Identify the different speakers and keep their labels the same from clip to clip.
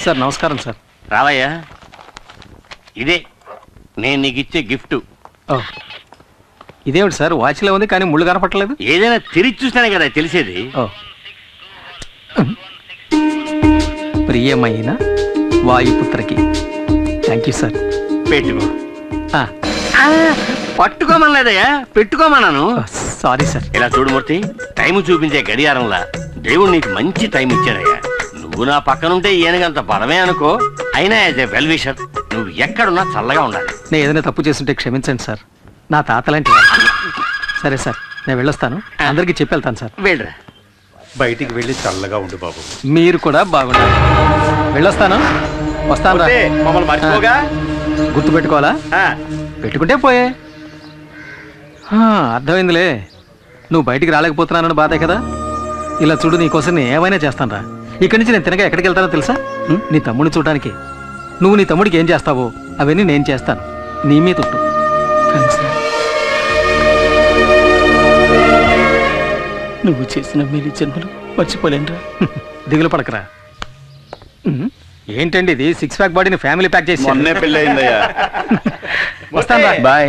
Speaker 1: Sir నమస్కారం sir.
Speaker 2: రావయ్యా, ఇదే నేను నీకు ఇచ్చే గిఫ్ట్.
Speaker 1: ఇదేమిటి సార్, వాచ్లో ఉంది కానీ ముళ్ళు కనపట్టలేదు.
Speaker 2: ఏదైనా తిరిగి చూస్తేనే కదా తెలిసేది.
Speaker 1: ప్రియమైన వాయుపుత్రకి. Thank you sir.
Speaker 2: పెట్టుకో. పట్టుకోమనలేదయ్యా, పెట్టుకోమన్నాను.
Speaker 1: Sorry sir.
Speaker 2: ఇలా చూడు మూర్తి, టైం చూపించే గడియారంలా దేవుడు నీకు మంచి టైం ఇచ్చాడయ్యా. నువ్వు నా పక్కనుంటే ఏనుగంత బలమే అనుకో. అయినా యాజ్ ఏ వెల్ విషర్ నువ్వు ఎక్కడున్నా చల్లగా ఉండాలి.
Speaker 1: నేను ఏదైనా తప్పు చేస్తుంటే క్షమించండి సార్, నా తాతలాంటి. సరే సార్, నేను వెళ్ళొస్తాను. అందరికీ చెప్పి వెళ్తాను సార్.
Speaker 2: వెళ్ళరా.
Speaker 3: బయటికి వెళ్ళి చల్లగా ఉండు బాబు.
Speaker 1: మీరు కూడా బాగుండాలి. వెళ్ళొస్తాను. వస్తాను రా.
Speaker 2: మమ్మల్ని మర్చిపోగా.
Speaker 1: గుర్తు పెట్టుకోవాలా? పెట్టుకుంటే పోయే. అర్థమైందిలే, నువ్వు బయటికి రాలేకపోతున్నానని బాధే కదా. ఇలా చూడు, నీకోసం నేను ఏమైనా చేస్తాను రా. ఇక్కడి నుంచి నేను తినగా ఎక్కడికి వెళ్తానో తెలుసా? నీ తమ్ముడిని చూడడానికి. నువ్వు నీ తమ్ముడికి ఏం చేస్తావో అవన్నీ నేను చేస్తాను. నీ మీద తుట్టు. నువ్వు చేసిన మేలు జన్మలు మర్చిపోలేనురా. దిగులు పడకరా. ఏంటండి ఇది, 6 ప్యాక్ బాడీని ఫ్యామిలీ ప్యాక్ చేసి
Speaker 3: పెళ్ళి అయిందయ్యా.
Speaker 1: వస్తాను. బాయ్.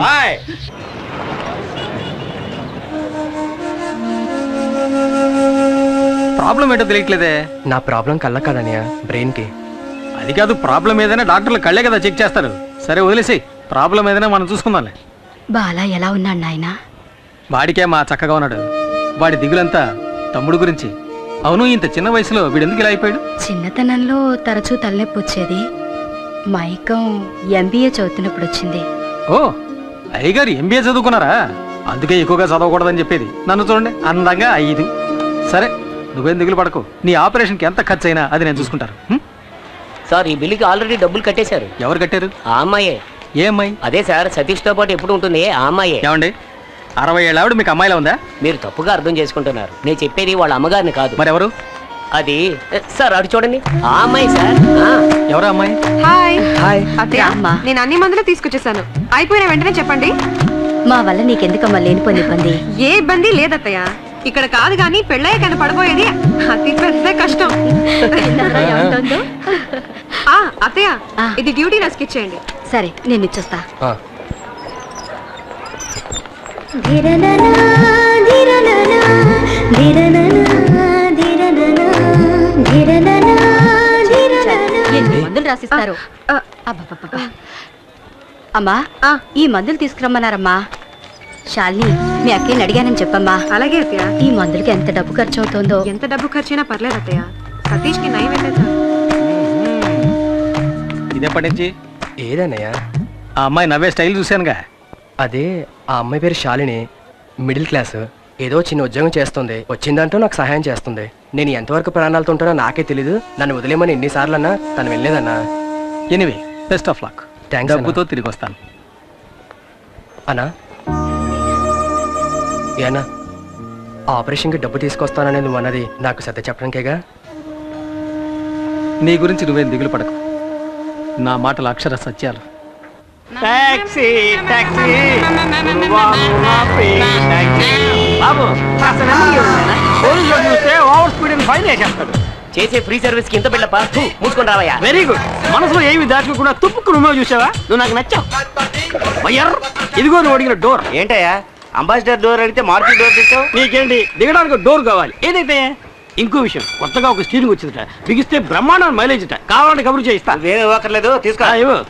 Speaker 1: ప్రాబ్లం ఏంటో తెలియట్లేదే.
Speaker 4: నా ప్రాబ్లం కళ్ళ కాదనియా, బ్రెయిన్ కి.
Speaker 1: అది కాదు, ప్రాబ్లం ఏదైనా డాక్టర్లు కళ్ళే కదా చెక్ చేస్తారు. సరే వదిలేసి, ప్రాబ్లం ఏదైనా మనం చూసుకుందాంలే.
Speaker 5: బాలా ఎలా ఉన్నాడు నాయనా?
Speaker 1: వాడికే మా చక్కగా ఉన్నాడు. వాడి దిగులంతా తమ్ముడు గురించి. అవును, ఇంత చిన్న వయసులో వీడెందుకు ఇలా అయిపోయాడు?
Speaker 5: చిన్నతనంలో తరచూ తలనొప్పి వచ్చేది. మైకం MBA చదువుతున్నప్పుడు వచ్చింది.
Speaker 1: ఓ, అయ్యగారు MBA చదువుకున్నారా? అందుకే ఎక్కువగా చదవకూడదని చెప్పేది. నన్ను చూడండి, అందంగా 5. సరే, నువ్వేం దిగులు పడకు. నీ ఆపరేషన్కి ఎంత ఖర్చు అయినా అది నేను చూసుకుంటాను.
Speaker 6: సార్, ఈ బిల్లుకి ఆల్రెడీ డబ్బులు కట్టేశారు.
Speaker 1: ఎవరు కట్టారు?
Speaker 6: ఆ అమ్మాయే.
Speaker 1: ఏ అమ్మాయి?
Speaker 6: అదే సార్, సతీష్ తో పాటు ఎప్పుడు ఉంటుంది ఆ అమ్మాయే.
Speaker 1: ఏమండి, 60 ఏళ్ళ ఆవిడ మీకు అమ్మాయిలా ఉందా?
Speaker 6: మీరు తప్పుగా అర్థం చేసుకుంటున్నారు. నేను చెప్పేది వాళ్ళ అమ్మగారిని కాదు.
Speaker 1: మరెవరు?
Speaker 6: అది సార్, అటు చూడండి, ఆ అమ్మాయి సార్.
Speaker 1: ఎవరా అమ్మాయి?
Speaker 7: హాయ్.
Speaker 4: హాయ్
Speaker 7: అత్తయ్య, నేను అన్ని మందులు తీసుకొచ్చేసాను. అయిపోయిన వెంటనే చెప్పండి.
Speaker 5: మా వల్ల నీకెందుకమ్మా లేనిపోని ఇబ్బంది?
Speaker 7: ఏ ఇబ్బంది లేదత్తయ్య. ఇక్కడ కాదు కానీ పెళ్ళయ్య కన్నా పడబోయేది అతి పెద్ద కష్టం. అత్తయ్య, ఇది డ్యూటీ నర్స్కి ఇచ్చేయండి.
Speaker 5: సరే, నేను ఇచ్చొస్తా. ఎన్ని మందులు రాసిస్తారు? అమ్మా, ఈ మందులు తీసుకురమ్మన్నారమ్మా. శాలిని, మీ అక్కని అడిగానని చెప్పమ్మా.
Speaker 7: అలాగే అత్తయ్య.
Speaker 5: ఈ మందులకి ఎంత డబ్బు ఖర్చు అవుతుందో?
Speaker 7: ఎంత డబ్బు ఖర్చైనా పర్లేదు అత్తయ్య. సతీష్ కి నయం ఏంటో.
Speaker 1: ఇదేపటి నుంచి?
Speaker 4: ఏదన్నయ్యా?
Speaker 1: ఆ అమ్మాయి నవ్వే స్టైల్ చూశానుగా.
Speaker 4: అదే, ఆ అమ్మాయి పేరు శాలిని, మిడిల్ క్లాస్. ఏదో చిన్న ఉద్యోగం చేస్తుంది. వచ్చిందంటూ నాకు సహాయం చేస్తుంది. నేను ఎంతవరకు ప్రాణాలతో ఉంటానో నాకే తెలీదు. నన్ను వదిలేమని ఎన్నిసార్లు అన్నా తను వెళ్ళలేదన్నా.
Speaker 1: Anyway, best of luck.
Speaker 4: Thanks.
Speaker 1: డబ్బుతో తిరిగి వస్తాను.
Speaker 4: అన్నా, ఏనా ఆపరేషన్కి డబ్బు తీసుకొస్తానని నువ్వు అన్నది నాకు సత్య చెప్పడానికేగా?
Speaker 1: నీ గురించి నువ్వేం దిగులు పడకు. నా మాటలు అక్షర సత్యాలు.
Speaker 6: చేసే ఫ్రీ సర్వీస్ కి ఇంత బిల్లపా? మూసుకొని రావయ్యా.
Speaker 1: Very good. మనసులో ఏమి దాచుకోకుండా తుప్పుకు నువ్వే చూసావా? నువ్వు నాకు నచ్చావు. ఇదిగో నువ్వు అడిగిన డోర్.
Speaker 2: ఏంటయ్యా, అంబాసిడర్ డోర్ అడిగితే మార్చి డోర్ తెచ్చావు?
Speaker 1: నీకేంటి, దిగడానికి డోర్ కావాలి. ఏదైతే ఇంకో విషయం, కొత్తగా ఒక స్టీరింగ్ వచ్చిందట. బిగిస్తే బ్రహ్మాండం మైలేజ్ అట. కావాలంటే కబురు చేయిస్తా.
Speaker 2: వేరే ఇవ్వక్కర్లేదు, తీసుకో.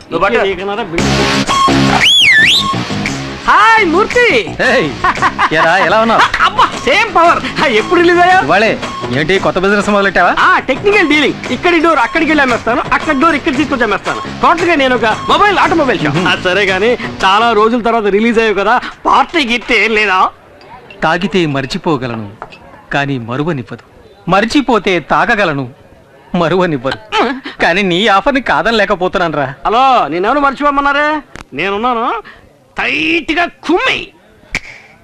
Speaker 1: హాయ్ మూర్తి. ఎలా ఉన్నావు? అబ్బా, సేమ్ పవర్. ఎప్పుడు రిలీజ్ అయ్యా? ఇవాళే. ఏంటి, కొత్త బిజినెస్ మొదలెట్టావా? Technical dealing. ఇక్కడి డోర్ అక్కడికి వెళ్ళి అమ్మేస్తాను, అక్కడ డోర్ ఇక్కడ తీసుకొచ్చి అమ్మేస్తాను. టోటల్ గా నేను ఒక ఆటోమొబైల్ షాప్. సరే గానీ, చాలా రోజుల తర్వాత రిలీజ్ అయ్యావు కదా, పార్టీ గిట్టే లేదా? తాగితే మర్చిపోగలను, కానీ మరువనివ్వదు. మర్చిపోతే తాగగలను, మరువనివ్వరు. కానీ నీ ఆఫర్ని కాదని లేకపోతున్నాను రా. హలో, నేనెవరు మర్చిపోమన్నారే? నేనున్నాను. టైట్ గా కుమ్మి